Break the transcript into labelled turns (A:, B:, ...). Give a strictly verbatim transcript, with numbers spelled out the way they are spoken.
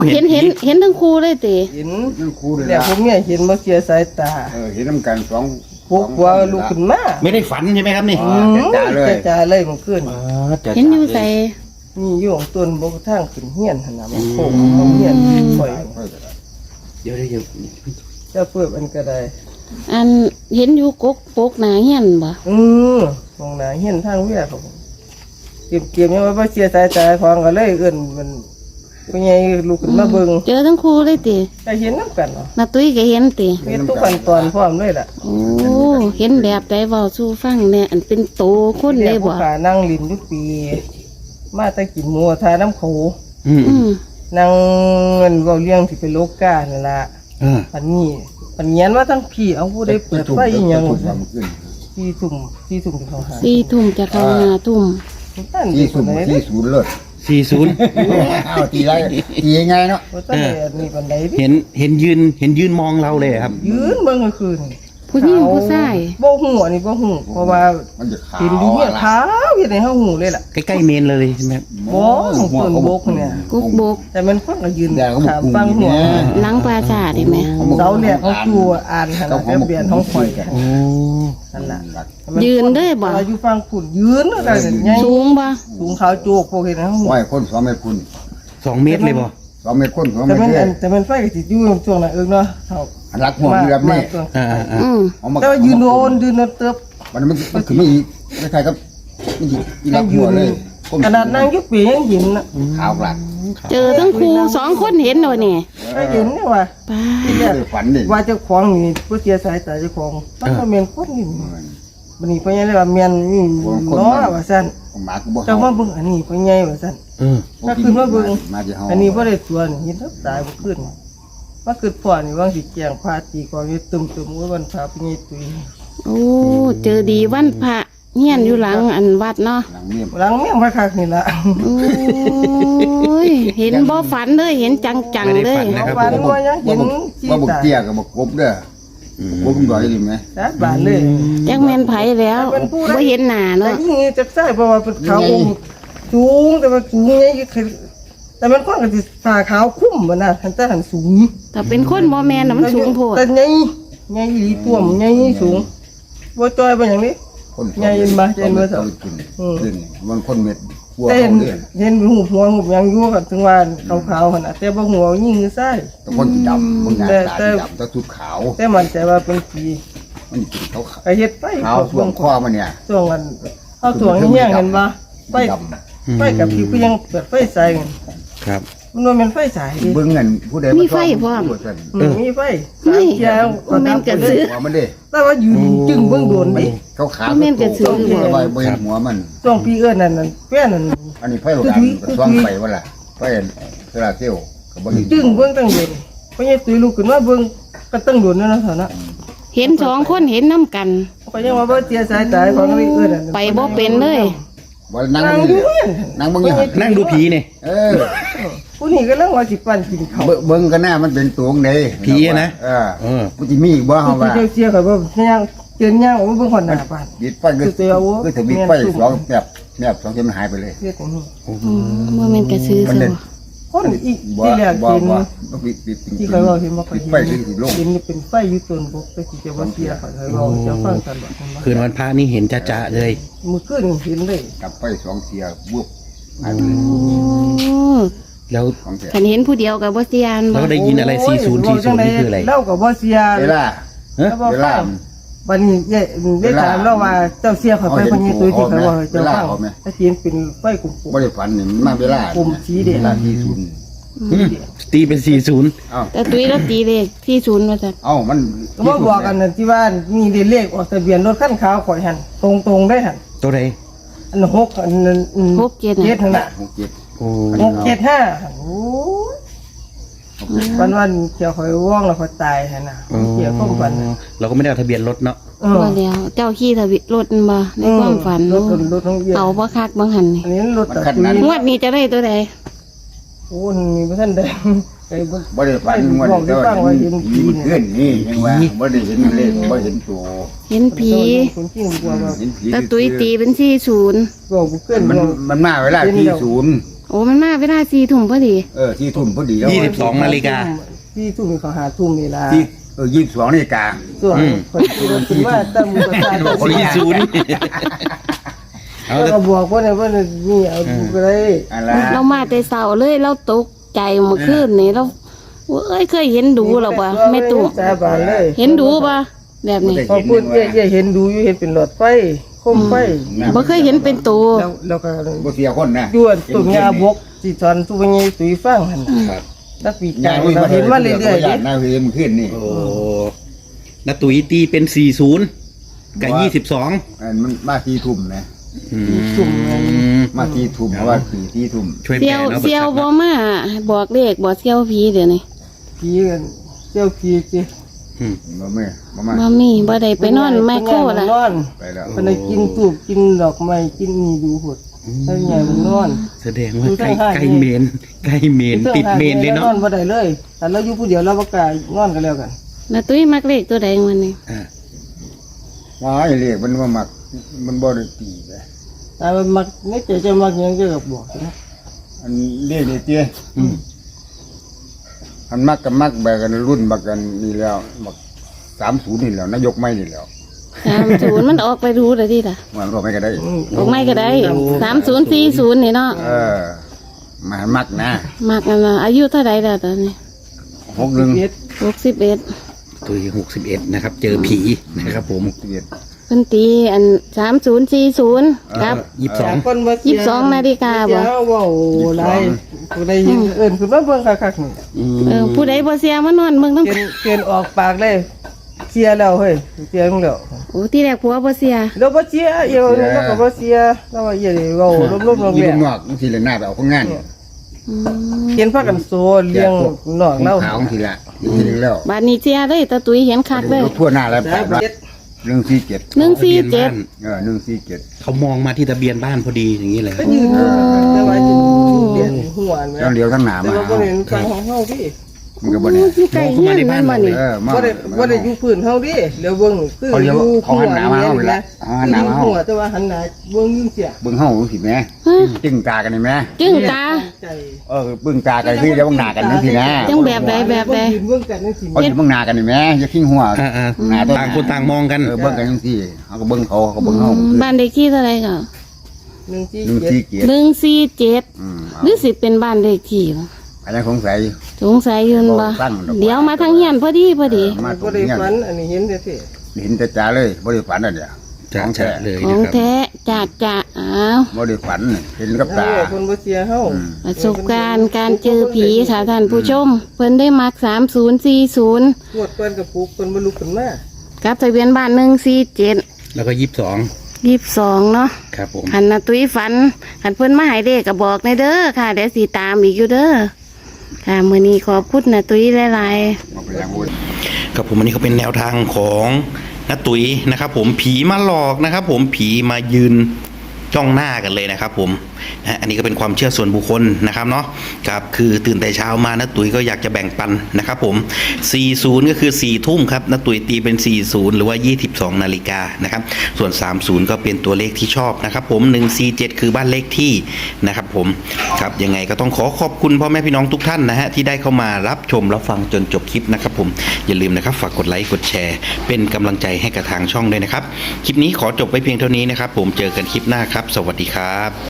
A: เห็นเห็นเห็นทั้งคู่เลยติ
B: เห็น
C: นั่นครูเลย
B: แต่
C: ละ
B: ผมเนี่ยเห็นมาเสียสายตา
C: เออเห็นน้ำกันสอง
B: พวกว่าลูกขึ้นมา
D: ไม่ได้ฝันใช่ไหมครับนี่
C: อ๋อจ้าเลย
B: จะจ่าเลยมันขึ้น
D: อ๋อจะ
A: เห็นอยู่ใส่
B: นี่อยู่ของต้นบกทางขึ้นเฮียนหั่นน่ะมันโค้งของเฮียนปล่อย
D: เดี๋ยวเดี๋ยว
B: จะเปิดมันก็ได้
A: อันเห็นอยู่กกปกหนาเฮียนบ่
B: อือมองหน้าเฮียนทางเวียครับผมเก็บเก็บยังว่าบ่เสียสายตาของก็เลยเอิ้นมันเป็นไงลูกขึ้นมาเบิ่ง
A: เจอทั้งคู่เลยติ
B: ก็เห็นนำกันเนาะ
A: นาตุ้ยก็เห็นติ
B: เฮ็ดทุกขั้นตอนพร้อมเลยล่ะ
A: โอ้เห็นแบบใดเว้าสู่ฟังแหน่อันเป็นโตคนเลยบ่
B: ขานั่งลิ้นอยู่ปี มาแต่กินหมูทาน้ำโข
D: อืม
A: อืม
B: นั่งเงินเว้าเรื่องที่เป็นโลกานั่นล่ะ
D: เออ
B: อันนี้อันเงียนว่าทั้งพี่เอาผู้ได้เปิดไฟอีหยัง
C: ถูกความขึ้น
B: ที่ทุ่มที่ทุ่มที่เขาหา
A: สี่ทุ่มจะเข้าห้าทุ่ม
B: นั่น
C: ที่
B: ที่
C: สุ่
B: สุ
C: ม
B: ดเลย
C: ที่ศูนย์เลิศ
D: สี่ศูนย์
C: อ้าวตีไรตียังไงเนาะ
B: ว่าตั้งแต่นี่ปันไดพี่
D: เห็นเห็นยืนเห็นยืนมองเราเลยครับ
B: ยืนเบิ่งกลางคืน
A: ผู้หญิงผู้ชาย
B: บ่หูอันนี้บ่หูเพราะว่า
C: มันจะขาว
B: เห็นดีเนี่ยขาวเห็นในห้องหูเลยล่ะ
D: ใกล้ๆเมนเลยใช่ไหมครับ
B: บ่ของต้นบกเนี่ย
A: กุกบก
B: แต่มันคนก็ยืน
C: แดงก็บุ
B: ถาม
C: ก
B: ฟังหัว
A: หลังปราสาทเห็นไหม
B: เสาเนี่ยเขาจูอ่านขนาดแต่เปลี่ยนห้องคอยกัน
D: โอ้
B: นั่นล่ะ
A: ยืนด้วยบ่
B: อยู่ฟังผุดยืนแล้วก็ใหญ่
A: สูงบ่
B: สูงขาวโจกพวกเห็นในห้องหู
C: ไหวคนสองเมตรคุณ
D: สองเมตรเลยบ่
C: สองเมตรคนสองเม
B: แต่
C: ตร
B: มัน
C: เล
B: อั
C: ย
B: นแต่มันไฟก็สิอยู่ช่วงนั้นเอิ้นเนาะเท่า
C: อันรักหัวมันแบบนี้
B: ช่วง
D: อ่าอ่า
A: อืม
C: เอามา
B: แต่ว่ายืนโดนยืนเติบ
C: มันมันมันคือไม่ไม่ใช่ครับไม่ใช่อีรักหัวเลย
B: ขนาดนั่งอยุบปียังเห็นนะ
C: ขาวกลัด
A: เจอทั้งคู่สองคนเห็นหน่อยนี่
B: ก็เห็นเนี่ยว่า
A: ป้า
C: ไม่ได้ฝันดิ
B: ว่าเจ้าของนี่ผู้เสียสายตาเจ้าของมันก็เมียนคนนี่บันนี้พ่อใหญ่เลยว่าเมียนนี่ล้อว่าสั่น
C: หมาก็บอก
B: เจ้ามาเบิ่งอันนี้พ่อใหญ่ว่าสั่น
D: เออ
B: ถ้าขึ้นมาเบิ่ง
C: มาที่ห้อง
B: อันนี้บ่ได้ตัวนี่เห็นทับตายบ่ขึ้นมาขึ้นพ่อนี่ว่างสิแจงพาตีกองอยู่ตึมๆว่าวันพาพ่อใหญ่ตุย
A: โอ้เจอดีวันพระเฮียนอยู่หลังอันวัดเนาะ
C: หลังเมียม
B: หลังเมียงพระคักนี่ล่ะ
A: โอ้ยเห็นบ่ฝันเลยเห็นจังๆเลย
B: เอาฝันว่ายังเห็นชี
C: ว่าบุก
B: ตา
C: เตี้ยกับบุกกบเด้อบุกดอยดีไหม
B: สาบานเลย
A: จักแม่นไผแล้วบ่เห็นหน้า
B: แต่
A: เนาะ
B: ยิ่งนี้จะใช่เพราะว่าเป็นขาวอมสูงแต่ว่าสูงไงแต่มันก็คือผ่าขาวคุ้มมันนะทันแต่หันสูง
A: แต่เป็นคนบ่แม่นน่ะมันสูงโพด
B: แต่ไงไงอีตัวมันไงสูงว่าจอยเป็นอย่างนี้
C: คนกินขึ้นมันคนเม็ดหัว
B: แต่
C: เขา
B: เห็น
C: เด้อ
B: เห็นหูหัวหูยังยั่วกันถึงว่าขาวๆขนาดแต่บ่หัวยิ่งคือไส้
C: แต่คนดำคนหน้าตาดำแต่ทุกขาว
B: แต่มันใจว่าเป็นผี
C: มันกินเขาขาว
B: ไอเฮ็ดไป
C: ขาวส่วงคอมันเนี่ย
B: ช่วงมันเอาถ่วงเงี้ยเห็นปะไฟ
C: ด
B: ไฟกับผีก็ยังเปิดไฟใส่
D: ครับ
B: มันว่ามันไฟใส่
C: ำเบิ้งเงินผู้ใด
B: มีไฟ
C: หัว
B: มีไฟสามเที่ยว
A: แม่นกระสือ
C: มันเด้
B: แต่ว่ายืนจึงเบื้องโดนดิ
C: เขาขาวตัวใบใบหัวมัน
B: ช่วงปีเอิ้นนั่นนั่นเปี้ยนั่น
C: อันนี้ไฟโลกันซ่องไฟว่าล่ะไฟเวลาเที่ยวก็บ่
B: จึงเบื้องตั้งโดนเพราะยังตุยลูกขึ้นมาเบื้องก็ตั้งโดนนั่นนะเท่านั้น
A: เห็นสองคนเห็นน้ำกัน
B: เพราะยังว่าบ่เสียสายตาของนี่เอิ้นนั่น
A: ไปบ่เป็นเลย
C: ว่านั่ง
B: นั่ง
C: มึง
B: อยู่
C: นั่งมึงอยู่
D: นั่งดูผีเนี่ย
C: เออ
B: ผู้นี้ก็ลังว่าสิปั่นกินข้าว
C: เบิ้งกันหน้ามันเป็นตัวงเด้เออ
D: เออ
C: มันจะมีอีกบ่เฮา
B: ผู้
C: ว่า
B: เจ้าเสียก็บ่ย่างเจนย่างว่าเบิ่งคนหน้าบ้าน
C: บิดไฟก็คือถึงบิดไฟสองแบบแบบสองเข็มหายไปเลย
B: เสียตรงนี้
A: อืมบ่แม่นกระสือ
C: มัน
A: ซะ
C: เล่น
B: คนอีก
C: บ่
B: ที่แรก
C: บ่
B: เห็น
C: บ่บิดบิด
B: ที่เคยว่าเห็นบ่เคย
C: บิด
B: เห็น
C: ไฟคือสิลง
B: เห็นเป็นไฟอยู่ต้นบกแต่สิจะบ่เสียเขาเคยว่าจะฟังกันบ่
D: คืนวันพระนี่เห็นจะๆเลย
B: มื้อคืนเห็นเลย
C: กับไฟสองเสียบวบหายไปเลย
A: โอ้
D: แล้ว
C: ของแท้
A: คันเห็นผู้เดียวกับบ่เสียน
D: แล้
A: บ่
D: วได้ยินอะไรสี่ศูนย์สี่ศูนย์นี่คืออะไร
B: เล่าก็บ่เสีย
C: เวลา
B: แล้วบ่
C: เว
B: ฟั
C: ลา
B: งวันนี้เย่เย่ถามเราว่าเจ้าเสียเขาไปคนนี้ตัวที่เขาว่าเจ้าฟังถ้าเสียนเป็นไฟกลุ่ม
C: บ่ได้ฝันนี่มันมาเวลาเวลาที่ศูนย์
D: อืมตีเป็นสี่ศูนย์
C: เอ้า
A: แต่ตุ้ยแล้วตีเลขที่ศูนย์ว่าซั่น
C: เอ้ามัน
B: ก็มาบอกกันที่ว่านี่เลขออกทะเบียนรถคันขาวข่อยหันตรงๆได้หัน
D: ตัวใด
B: อันหกอันนั้น
A: หกเจ็ด
B: เจ็ด
A: น่ะ
B: นั่นน่ะ
C: หกเจ็ด
D: โอ้
B: หกเจ็ดห้าโอ้วันวันเกี่ยวข่อยว่องแล้วข่อยตายหันน่ะเกี่ยวข้องกัน
D: เราก็ไม่ได้เอาทะเบียนรถเนาะ
B: เออ
A: ว่าแล้วเจ้าขี่ทะเบียนรถบ่ในความฝัน
B: รถรถท้องเบีย
A: เอาบ่คักบ่หันนี่
B: อันนี้รถตัดตุย
A: งวดนี้จะได้ตัวใด
B: โอ้มีบ่ทันได้ไอ้บ่
C: บ่ได้ฝันว่าได้ฟังว่าเห็นผีเพื่อนนี่ยังว่าบ่ได้เห็นเลขบ่เห็นตัว
A: เห็นผี
B: คนจริงกว่าว่า
C: เห็นผี
A: แต่ตุ้ยตีเป็นสี่ศูนย์
B: บอกเพื่อน
C: มันมันมาเวลาที่ศูนย์
A: โโอ้มันมาเวลาสี่ทุ่มพอดี
C: เออที่ทุ่มพอดีแล้ว
D: ยี่สิบสองนาฬิกา
B: ที่ทุ่มเขาหาทุ่มนี่ล่ะ
C: ที่เออยี่สิบสองนาฬิกา
B: ส่วนคนที่รถขึ้นมาตั้งมือประสาท
C: โอ้ย
D: สี่ศูนย์เอา
B: แล้ว
D: แต่
B: ก็บอกว่าเนี่ยว่าเนี่ยนี่เอาดูก็ได้
C: อะไร
A: เรามาแต่เช้าเลยเราตกใจเมื่อคืนนี่เราเอ้ยเคยเห็นดูหรอปะแม่ตู่
B: สาบานเลย
A: เห็นดูปะแบบนี้
B: พอพูดเย่ๆเห็นดูอยู่เห็นเป็นหลอดไฟโคมไฟ
A: บ่เคยเห็นเป็นตัว
B: แล้วแล้วก็
C: บ่เสียคนนะ
B: ยวนตุ่มยาบกที่สอนตุ่มยาตุยฟังหั่นน่ะ
D: ครับ
B: นักปีก
C: ยา
B: ไก่เราเห็นมาเรื่อยๆ
C: ๆ
B: ดิ
C: หน้าเวมขึ้นนี่
D: โอ้นาตุยตีเป็นสี่ศูนย์กับยี่สิบสอง
C: อันมันมาที่ทุ่มนะ
B: ตุ่ม
C: มาที่ทุ่มเพราะว่าสี่ที่ทุ่ม
D: ช่วย
A: เซี
D: แปล
A: ยว
D: เนาะ
A: เซียว
D: เบิ
A: บ่
D: กทรัพย์
A: มาบอกเลขบอกเซียวผีเดี๋ยวนี้
B: ผีกันเจ้าผีจิ
D: อืม
C: บ่แม่บ่มา
A: บ่มีบ่ได้ไปนอนไมโครล่ะ
B: นอน
C: ไปแล้ว
B: มันได้กินตูบกินดอกไม้กินนี่ดูหดถ้าใหญ่มันนอน
D: แสดงว่า
B: ดู
D: ใกล้
B: ทาง
D: ใกล้เมนใกล้เมนติดเมนเลยเนาะ
B: นอนบ่ได้เลยแต่เราอยู่ผู้เดียวเราบ่กล้านอนกันแล้วกัน
A: นาตุ้ยมักเลขตัวใดวันนี้
D: อ่า
C: ว่าไอ้เรียกมันว่ามักมันบ่ได้ตีไป
B: แต่มันมักไม่ใจจะมักหยังจะกับบอกนะ
C: อันเรียกนี่เตี้ยอันมักกับมักแบบกันรุ่นบักกันนี่แล้วบักสามศูนย์นี่แล้วนายกไม่นี่แล้ว
A: สามศูนย์มันออกไปดูเลยดิล่ะ
C: มันก็ไม่ก็ได้
A: ออกไม่ก็ได้สามศูนย์สี่ศูนย์นี่เนาะ
C: เออมามักนะ
A: มักกันนะอายุเท่าไหร่แล้วตอนนี้
C: หกหนึ่ง
B: เฮ็ด
A: หกสิบเอ็ด
D: ตุยหกสิบเอ็ดนะครับ เจอผีนะครับผม
C: สิบเอ็ด
A: เพิ่นตีอันสามศูนย์สี่ศูนย์ครับ
D: ยี่สิบสอง
B: คนบ่
A: ยี่สิบสองนาฬิกาบ่
B: เจ้าเว้าหลายผู้ใดเห็นเอิ้นขึ้นมาเบิ่งคักๆนี่
D: อืม
A: เออผู้ใดบ่เสียมานอนเมืองต้อง
B: เกินเกินออกปากเลยเสียแล้วเฮ้ยเสียมึงแล้ว
A: โอ้ที่แรกผัวบ่เสีย
B: เราบ่เสียเอียวนี่เราก็บ่เสียเราว่าเอียนี่เว้าลมๆลง
C: ยี่
B: แร
C: ลู
B: ง
C: กนอกบางทีเลยหน้าไปเอาข้างงาน
A: อืม
B: เห็นพากันโซเลี้ยงนอก
C: เรา
B: เรา
C: ขาวบางทีละบางทีแล้ว
A: บาดนี้เสียเลยตาตุ้ยเห็นคักเลย
C: รถทั่วหน้าแล้ว
B: สา
C: แปด
B: เจ็ด
C: หนึ่งสี่เจ็ด
A: หนึ่งสี่เจ็ด
C: เออหนึ่งสี่เจ็ด
D: เขามองมาที่ทะเบียนบ้านพอดีอย่างนี้เลย
B: ก็ยืนอยู่แต่ว่าจะเรียนหัวแม่
C: ต้องเลี้ยวทั้งหนา
B: แต่
C: มา
B: ว่าบ่ได้ฟังของเฮาดิ
C: มันก็บ่ได้
A: อยู่ใกล้เฮียนแม่นบ่นี่
C: เออมา
B: บ่ได้บ่ได้อยู่พื้นเฮาดิเดี๋ยวเบิ่งคือ
C: เขาเลี้ยว
B: อยู่
C: เขาหันหน้ามาเฮาเลยละเขาหันหน้ามาเฮา
B: หัวแต่ว่าหันหน้าเบิ่งยิ่งเสีย
C: เบิ่งเฮาสิแม่
A: ฮะ
C: จึงตากันนี่แม่
A: จึงตา
B: ใจ
C: เออเบิ่งตากันคือเดี๋ยวเบิ่งหน้ากันนั่นสินะ
A: จังแบบใดแบบใด
B: ยืนเบิ่งกันจังซี่
C: เขาสิเบิ่งหน้ากันนี่แม่อย่าขิงหัว
D: อ่าอ่า
C: หน้าต้น
D: ต่างคนต่างมองกัน
C: เออเบิ่งกันจังซี่เขาก็เบิ่งเขาเขาก็เบิ่งเฮา
A: บ้านเลขที่เท่าไหร่ก็
B: หนึ่งสี่
C: หนึ่ง
B: เจ็ด
C: สี่เจ็ด
A: หนึ่งสี่เจ็ด
C: อืมเอา
A: หรือสิเป็นบ้านเลขที่บ่
C: อันนั้นสงสัย
A: สงสัยอยืนบ่
C: ตั้งดอก
A: เดี๋ยวมาทางเฮียนพอดีพอดี
C: มาตร
B: บ่
C: ง
B: ได้
C: นี้
B: ฝันอันนี้เห็นแต่เท่
C: เห็นแต่จ๋าเลยบ่ได้ฝันอ่ะเดี๋ยว
D: จะ
C: ของ
D: จะ
C: แท้
D: เลย
A: ขอ
D: นะ
A: ง
D: ครับ
A: แท้จะจะอ้าว
C: บ่ได้ฝันนี่เห็นกับ
B: เอ
C: ตา
B: อคนบ่เสียเฮา
C: อืม
A: ประสบการณ์การเจอผีค่ะท่านผู้ชม เพิ่นได้มักสามศูนย์สี่ศูนย์
B: งวดก่อนกับปลูกคนบ่ลุกขึ้นมา
A: กับทะเบียนบ้านหนึ่งสี่เจ็ด
D: แล้วก็ยี่สิบสอง
A: ยี่สิบสองเนาะ
D: ครับผม
A: ขันนาตุ้ยฝันขันเพิ่นมาใหายเด็กก็บอกในเด้อค่ะเดี๋ยวสีตามอีกอยู่เด้อค่ะมื้อนี้ขอบคุณนาตุ้ยหลายๆ
C: เอาไปอย่างบุญ
D: ครับผมอันนี้ก็เป็นแนวทางของน้าตุ๋ยนะครับ ผมผีมาหลอกนะครับ ผมผีมายืนจ้องหน้ากันเลยนะครับ ผมนะอันนี้ก็เป็นความเชื่อส่วนบุคคลนะครับเนาะครับคือตื่นแต่เช้ามาน้าตุ๋ยก็อยากจะแบ่งปันนะครับ ผมสี่สิบก็คือสี่ทุ่มครับน้าตุ๋ยตีเป็นสี่สิบหรือว่ายี่สิบสองนาฬิกานะครับส่วนสามสิบก็เป็นตัวเลขที่ชอบนะครับ ผมหนึ่งสี่เจ็ดคือบ้านเลขที่นะครับ ผมครับยังไงก็ต้องขอขอบคุณพ่อแม่พี่น้องทุกท่านนะฮะที่ได้เข้ามารับชมรับฟังจนจบคลิปนะครับ ผมอย่าลืมนะครับฝากกดไลค์กดแชร์ เป็นกำลังใจให้กับทางช่องด้วยนะครับคลิปนี้ขอจบไว้เพียงเท่านี้นะครับ ผมเจอกันคลิปหน้าครับ สวัสดีครับ